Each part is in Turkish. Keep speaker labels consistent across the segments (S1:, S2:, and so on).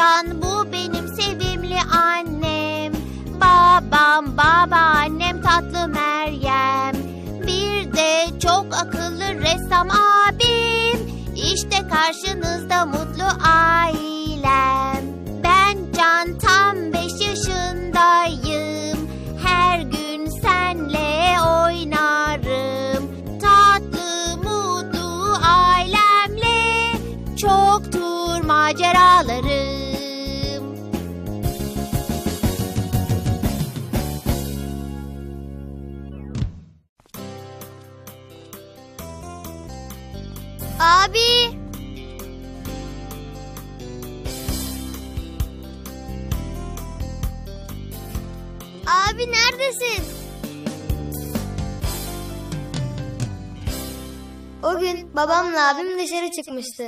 S1: Can, bu benim sevimli annem. Babam, babaannem tatlı Meryem. Bir de çok akıllı ressam abim. İşte karşınızda mutlu ailem. Ben Can, tam 5 yaşındayım. Her gün senle oynarım. Tatlı mutlu ailemle çoktur maceralarım. Abi! Abi neredesin?
S2: O gün babamla abim dışarı çıkmıştı.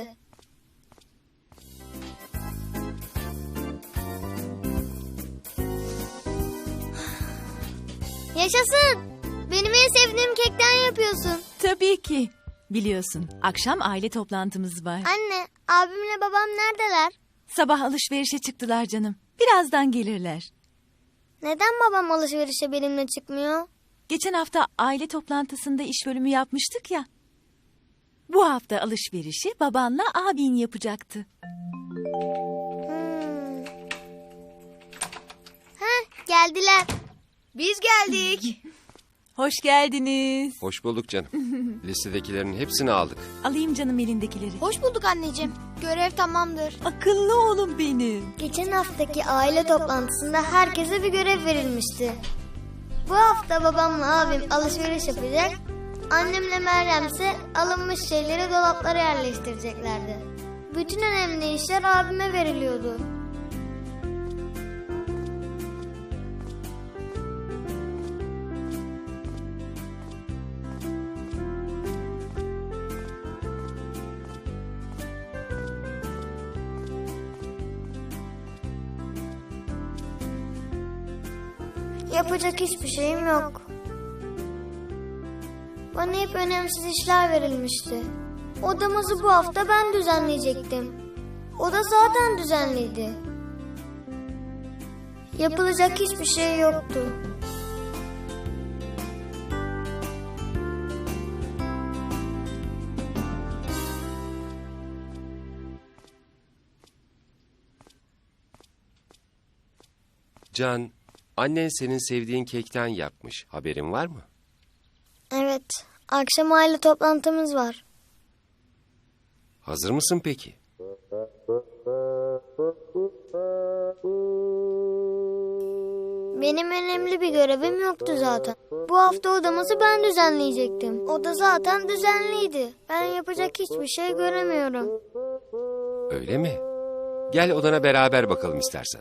S1: Yaşasın! Benim en sevdiğim kekten yapıyorsun.
S3: Tabii ki. Biliyorsun, akşam aile toplantımız var.
S1: Anne, abimle babam neredeler?
S3: Sabah alışverişe çıktılar canım. Birazdan gelirler.
S1: Neden babam alışverişe benimle çıkmıyor?
S3: Geçen hafta aile toplantısında iş bölümü yapmıştık ya. Bu hafta alışverişi babanla abin yapacaktı.
S1: Geldiler.
S4: Biz geldik.
S3: Hoş geldiniz.
S5: Hoş bulduk canım. Listedekilerin hepsini aldık.
S3: Alayım canım elindekileri.
S1: Hoş bulduk anneciğim. Görev tamamdır.
S3: Akıllı oğlum benim.
S2: Geçen haftaki aile toplantısında herkese bir görev verilmişti. Bu hafta babamla abim alışveriş yapacak, annemle Meryem ise alınmış şeyleri dolaplara yerleştireceklerdi. Bütün önemli işler abime veriliyordu. Yapacak hiçbir şeyim yok. Bana hep önemsiz işler verilmişti. Odamızı bu hafta ben düzenleyecektim. Oda zaten düzenliydi. Yapılacak hiçbir şey yoktu.
S5: Can, annen senin sevdiğin kekten yapmış. Haberin var mı?
S2: Evet, akşam aile toplantımız var.
S5: Hazır mısın peki?
S2: Benim önemli bir görevim yoktu zaten. Bu hafta odamızı ben düzenleyecektim. Oda zaten düzenliydi. Ben yapacak hiçbir şey göremiyorum.
S5: Öyle mi? Gel odana beraber bakalım istersen.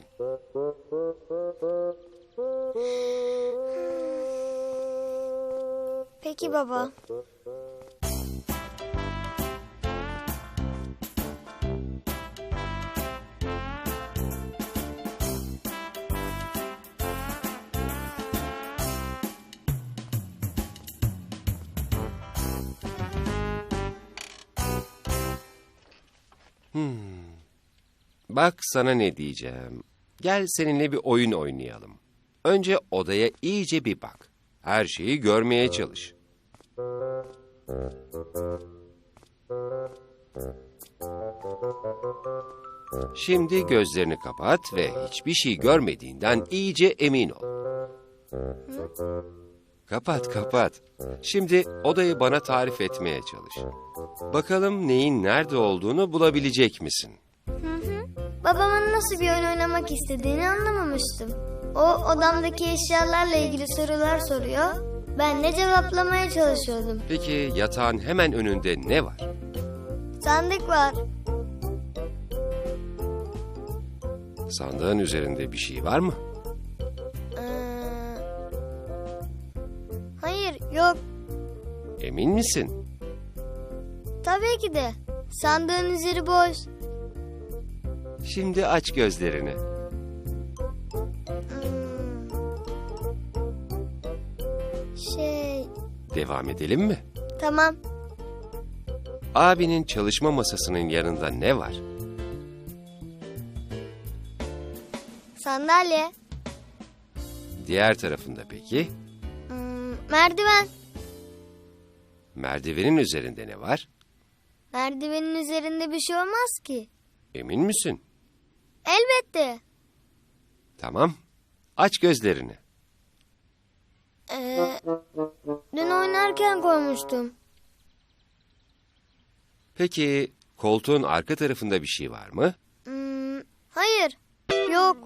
S2: Peki baba.
S5: Bak sana ne diyeceğim. Gel seninle bir oyun oynayalım. Önce odaya iyice bir bak. Her şeyi görmeye çalış. Şimdi gözlerini kapat ve hiçbir şey görmediğinden iyice emin ol. Kapat. Şimdi odayı bana tarif etmeye çalış. Bakalım neyin nerede olduğunu bulabilecek misin?
S2: Babamın nasıl bir oyun oynamak istediğini anlamamıştım. O odamdaki eşyalarla ilgili sorular soruyor. Ben de cevaplamaya çalışıyordum.
S5: Peki yatağın hemen önünde ne var?
S2: Sandık var.
S5: Sandığın üzerinde bir şey var mı?
S2: Hayır, yok.
S5: Emin misin?
S2: Tabii ki de. Sandığın üzeri boş.
S5: Şimdi aç gözlerini. Devam edelim mi?
S2: Tamam.
S5: Abinin çalışma masasının yanında ne var?
S2: Sandalye.
S5: Diğer tarafında peki?
S2: Merdiven.
S5: Merdivenin üzerinde ne var?
S2: Merdivenin üzerinde bir şey olmaz ki.
S5: Emin misin?
S2: Elbette.
S5: Tamam. Aç gözlerini.
S2: Dün oynarken koymuştum.
S5: Peki koltuğun arka tarafında bir şey var mı?
S2: Hayır. Yok.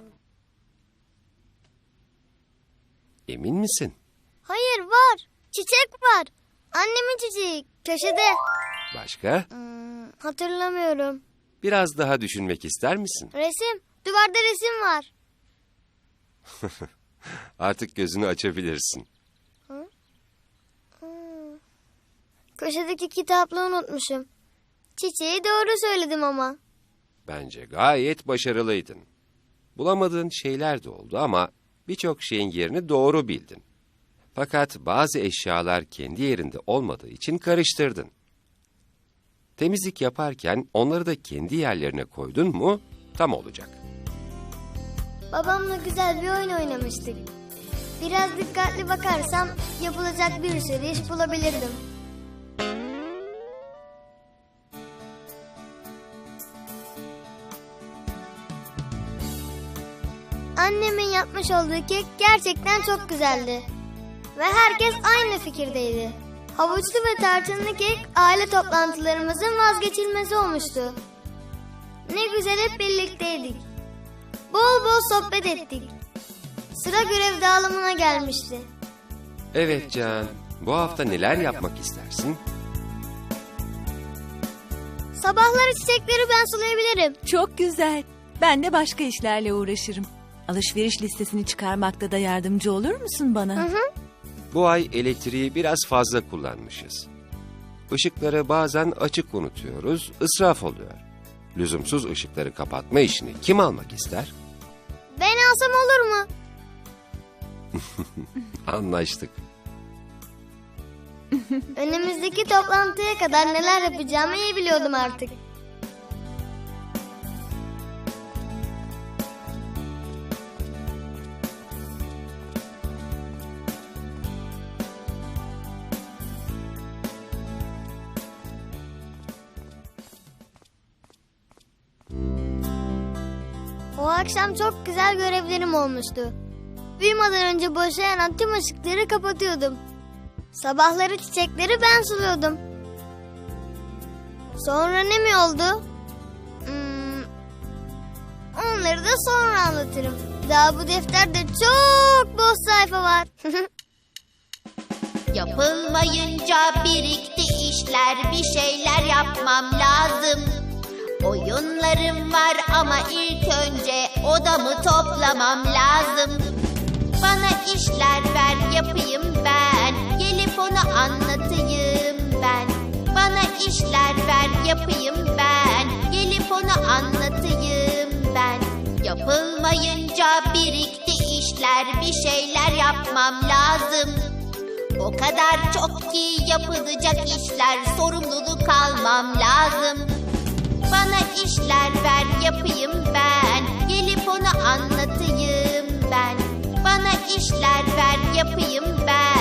S5: Emin misin?
S2: Hayır, var. Çiçek var. Annemin çiçeği. Köşede.
S5: Başka?
S2: Hatırlamıyorum.
S5: Biraz daha düşünmek ister misin?
S2: Resim. Duvarda resim var.
S5: Artık gözünü açabilirsin.
S2: Köşedeki kitaplığı unutmuşum. Çiçeği doğru söyledim ama.
S5: Bence gayet başarılıydın. Bulamadığın şeyler de oldu ama birçok şeyin yerini doğru bildin. Fakat bazı eşyalar kendi yerinde olmadığı için karıştırdın. Temizlik yaparken onları da kendi yerlerine koydun mu tam olacak.
S2: Babamla güzel bir oyun oynamıştık. Biraz dikkatli bakarsam yapılacak bir sürü iş bulabilirdim. Annemin yapmış olduğu kek gerçekten çok güzeldi. Ve herkes aynı fikirdeydi. Havuçlu ve tarçınlı kek aile toplantılarımızın vazgeçilmezi olmuştu. Ne güzel hep birlikteydik. Bol bol sohbet ettik. Sıra görev dağılımına gelmişti.
S5: Evet Can, bu hafta neler yapmak istersin?
S2: Sabahları çiçekleri ben sulayabilirim.
S3: Çok güzel. Ben de başka işlerle uğraşırım. Alışveriş listesini çıkarmakta da yardımcı olur musun bana?
S5: Bu ay elektriği biraz fazla kullanmışız. Işıkları bazen açık unutuyoruz, israf oluyor. Lüzumsuz ışıkları kapatma işini kim almak ister?
S2: Ben alsam olur mu?
S5: Anlaştık.
S2: Önümüzdeki toplantıya kadar neler yapacağımı iyi biliyordum artık. O akşam çok güzel görevlerim olmuştu. Uyumadan önce boşa yanan tüm ışıkları kapatıyordum. Sabahları çiçekleri ben suluyordum. Sonra ne mi oldu? Onları da sonra anlatırım. Daha bu defterde çok boş sayfa var.
S6: Yapılmayınca birikti işler, bir şeyler yapmam lazım. Oyunlarım var ama ilk önce odamı toplamam lazım. Bana işler ver yapayım ben, gelip onu anlatayım ben. Bana işler ver yapayım ben, gelip onu anlatayım ben. Yapılmayınca birikti işler, bir şeyler yapmam lazım. O kadar çok ki yapılacak işler, sorumluluk almam lazım. Bana işler ver yapayım ben, gelip onu anlatayım ben. Bana işler ver yapayım ben,